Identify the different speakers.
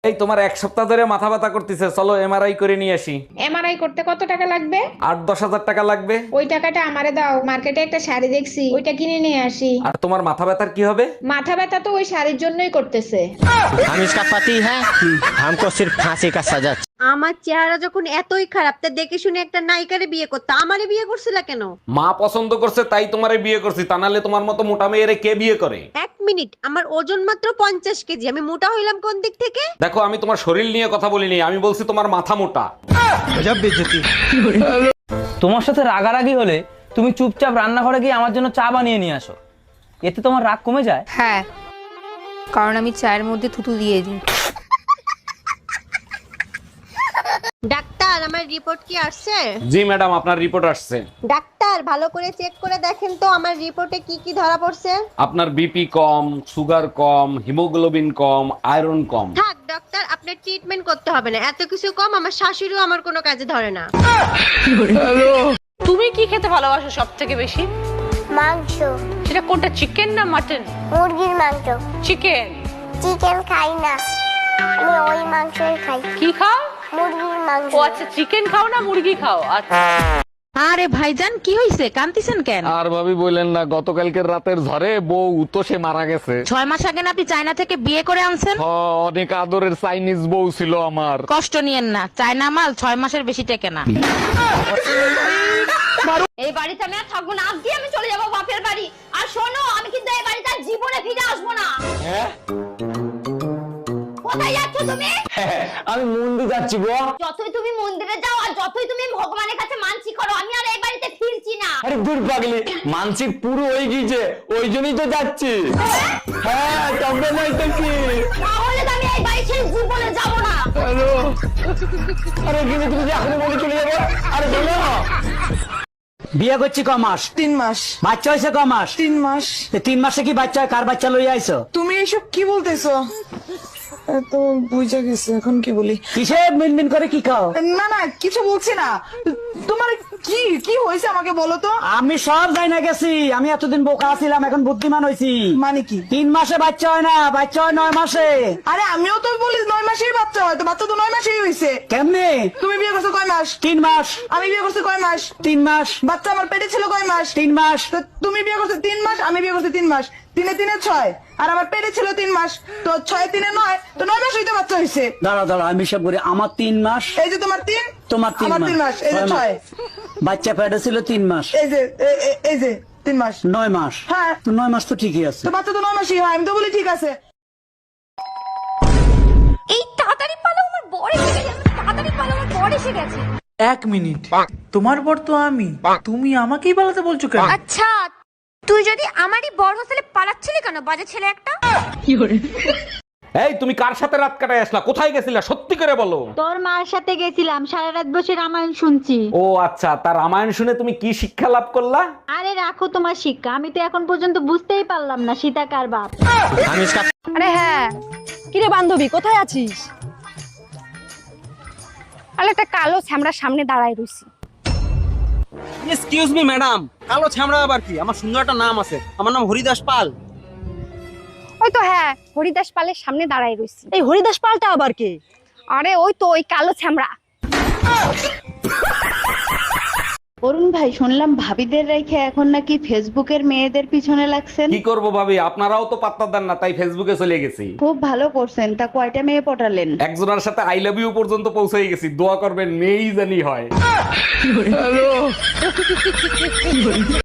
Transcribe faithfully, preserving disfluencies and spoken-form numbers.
Speaker 1: এই তোমার এক সপ্তাহ ধরে মাথা ব্যথা করতেছে, চলো এমআরআই করে নিয়ে আসি।
Speaker 2: এমআরআই করতে কত টাকা লাগবে?
Speaker 1: আট দশ হাজার টাকা লাগবে।
Speaker 2: ওই টাকাটা আমারে দাও, মার্কেটে একটা শাড়ি দেখছি, ওইটা কিনে নিয়ে আসি।
Speaker 1: আর তোমার মাথা ব্যথার কি হবে?
Speaker 2: মাথা ব্যথা তো ওই শাড়ির জন্যই করতেছে।
Speaker 3: हम इसका पति है, हमको सिर्फ फांसी का सजा।
Speaker 4: আমার চেহারা যখন এতই খারাপ, তা দেখে শুনে একটা নায়িকারে বিয়ে করতে আমারে বিয়ে করছিলা কেন?
Speaker 1: মা পছন্দ করছে তাই তোমারে বিয়ে করছি, তা নাহলে তোমার মতো মোটা মেয়েরে কে বিয়ে করে?
Speaker 4: এক মিনিট, আমার ওজন মাত্র পঞ্চাশ কেজি, আমি মোটা হইলাম কোন দিক থেকে?
Speaker 1: দেখো, আমি তোমার শরীর নিয়ে কথা বলিনি, আমি বলছি তোমার মাথা মোটা।
Speaker 5: তোমার সাথে রাগারাগি হলে তুমি চুপচাপ রান্নাঘরে গিয়ে আমার জন্য চা বানিয়ে নিয়ে আসো, এতে তোমার রাগ কমে যায়।
Speaker 6: হ্যাঁ, কারণ আমি চায়ের মধ্যে থুতু দিয়ে দিই।
Speaker 4: ডাক্তার, আমার রিপোর্ট কি আসছে?
Speaker 1: জি ম্যাডাম, আপনার রিপোর্ট আসছে।
Speaker 4: ডাক্তার, ভালো করে চেক করে দেখেন তো আমার রিপোর্টে কি কি ধরা পড়ছে।
Speaker 1: আপনার বিপি কম, সুগার কম, হিমোগ্লোবিন কম, আয়রন কম।
Speaker 4: থাক ডাক্তার, আপনার ট্রিটমেন্ট করতে হবে না, এত কিছু কম আমার শাশুড়িও আমার কোনো কাজে ধরে না।
Speaker 7: তুমি কি খেতে ভালোবাসো সব থেকে বেশি?
Speaker 8: মাংস।
Speaker 7: সেটা কোনটা, চিকেন না মাটন?
Speaker 8: মুরগির মাংস।
Speaker 7: চিকেন।
Speaker 8: চিকেন খাই না, আমি ওই মাংসই খাই।
Speaker 7: কি খাও?
Speaker 8: মুরগির মাংস।
Speaker 7: ও আচ্ছা, চিকেন খাও না মুরগি খাও? আচ্ছা।
Speaker 6: আরে ভাইজান, কি হইছে? কান্দিছেন কেন?
Speaker 1: আর ভাবি বললেন না, গতকালকের রাতের ঝড়ে বউ তো সে মারা গেছে।
Speaker 6: ছয় মাস আগে না আপনি চায়না থেকে বিয়ে করে আনছেন?
Speaker 1: হ, অনেক আদরের চাইনিজ বউ ছিল আমার।
Speaker 6: কষ্ট নিয়েন না, চায়না মাল ছয় মাসের বেশি টেকে না।
Speaker 9: এই বাড়িতে আমি আর থাকবো না, আজকে আমি চলে যাবো বাপের বাড়ি। আর শোনো, আমি কিন্তু এই বাড়িতে আর জীবনে ফিরে আসবো না। কোথায় যাচ্ছ তুমি?
Speaker 5: আমি মন্দির যাচ্ছি গো।
Speaker 9: যতই তুমি মন্দিরে যাও আর যতই তুমি ভগবানের কাছে মানসি করো, আমি আর এই বাড়িতে ফিরছি না।
Speaker 5: আরে দূর পাগলি, মানসিক পুরো হয়ে গিয়েছে, ওই জন্যই তো যাচ্ছি। হ্যাঁ, তবে নাই তো কি।
Speaker 9: তাহলে তো আমি এই বাড়ি ছেড়ে জীবনে যাবো না।
Speaker 5: হ্যালো, আরে কিন্তু তুমি যে এখনই বলে চলে যাবো। আরে বলো, বিয়ে করছি ক মাস?
Speaker 10: তিন মাস।
Speaker 5: বাচ্চা হয়েছে ক মাস?
Speaker 10: তিন মাস।
Speaker 5: এ তিন মাসে কি বাচ্চা হয়? কার বাচ্চা লইয়া আইছো?
Speaker 10: তুমি এইসব কি বলতেছো? তো বুঝে গেছে, এখন কি বলি?
Speaker 5: কিসে মিনমিন করে কি খাও?
Speaker 10: না না, কিছু বলছি না। তোমার কি কি হয়েছে আমাকে বলো তো।
Speaker 5: আমি সব যাই না গেছি, আমি এতদিন বোকা ছিলাম, এখন বুদ্ধিমান হয়েছি।
Speaker 10: মানে কি?
Speaker 5: তিন মাসে বাচ্চা হয় না, বাচ্চা হয় নয় মাসে।
Speaker 10: আরে আমিও তো বলি নয় মাসেই বাচ্চা হয়, তো বাচ্চা তো নয় মাসেই হয়েছে।
Speaker 5: কেমনে?
Speaker 10: তুমি বিয়ে করছো কয় মাস?
Speaker 5: তিন মাস।
Speaker 10: আমি বিয়ে করছি কয় মাস?
Speaker 5: তিন মাস।
Speaker 10: বাচ্চা আমার পেটে ছিল কয় মাস?
Speaker 5: তিন মাস।
Speaker 10: তো তুমি বিয়ে করছো তিন মাস, আমি বিয়ে করছি তিন মাস, তিনে তিনে ছয়, আর আমার পেটে ছিল তিন মাস, তো ছয় তিনে নয়, তো নয় মাস হইতে বাচ্চা হয়েছে।
Speaker 5: দাঁড়া দাঁড়া, আমি সব করি। আমার তিন মাস,
Speaker 10: এই যে তোমার তিন,
Speaker 5: তোমার তিন
Speaker 10: আমার তিন মাস, এই যে ছয়।
Speaker 5: বাচ্চা পেটে ছিল তিন মাস,
Speaker 10: এই যে এ- এ- এই যে তিন মাস,
Speaker 5: নয় মাস।
Speaker 10: হ্যাঁ।
Speaker 5: তো নয় মাস তো ঠিকই আছে।
Speaker 10: তো বাচ্চা তো নয় মাসই হয়, আমি তো বলি ঠিক আছে।
Speaker 9: এই তাড়াতাড়ি পালো, আমার বর এসে গেছে। তাড়াতাড়ি পালো, আমার বর এসে গেছে।
Speaker 10: এক মিনিট, তোমার বর তো আমি, তুমি আমাকেই পালাতে বলছো কেন?
Speaker 9: আচ্ছা, তুই যদি আমারই বর হোস্টেলে পালাচ্ছিলি কেন, বাজে ছেলে একটা?
Speaker 1: এই তুমি কার সাথে রাত কাটায় আসলা? কোথায় গেছিলা সত্যি করে বলো।
Speaker 4: তোর মার সাথে গেছিলাম, সারা রাত বসে রামায়ণ শুনছি।
Speaker 1: ও আচ্ছা, তার রামায়ণ শুনে তুমি কি শিক্ষা লাভ করলা?
Speaker 4: আরে রাখো তোমার শিক্ষা, আমি তো এখন পর্যন্ত বুঝতেই পারলাম না সীতা কার বাপ।
Speaker 3: हम इसका
Speaker 6: আরে হ্যাঁ, কিরে বান্ধবী, কোথায় আছিস? আরে একটা কালো ছ্যামড়ার সামনে দাঁড়ায় রইছি।
Speaker 3: এক্সকিউজ মি ম্যাডাম, কালো ছামড়া আবার কি? আমার সুন্দর একটা নাম আছে, আমার নাম হরিদাস পাল।
Speaker 6: ওই তো হ্যাঁ, হরিদাস পালের সামনে দাঁড়ায় রইছি।
Speaker 4: এই হরিদাস পালটা আবার কে?
Speaker 6: আরে ওই তো ওই কালো ছ্যামড়া।
Speaker 4: অরুণ ভাই, শুনলাম ভাবিদের রেখে এখন নাকি ফেসবুকের মেয়েদের পিছনে লাগছেন।
Speaker 1: কি করব ভাবি, আপনারাও তো পাত্তা দেন না, তাই ফেসবুকে চলে গেছি।
Speaker 4: খুব ভালো করছেন, তা কয়টা মেয়ে পটালেন?
Speaker 1: একজনের সাথে আই লাভ ইউ পর্যন্ত পৌঁছে গেছি। দোয়া করবেন মেয়েই জানি হয়।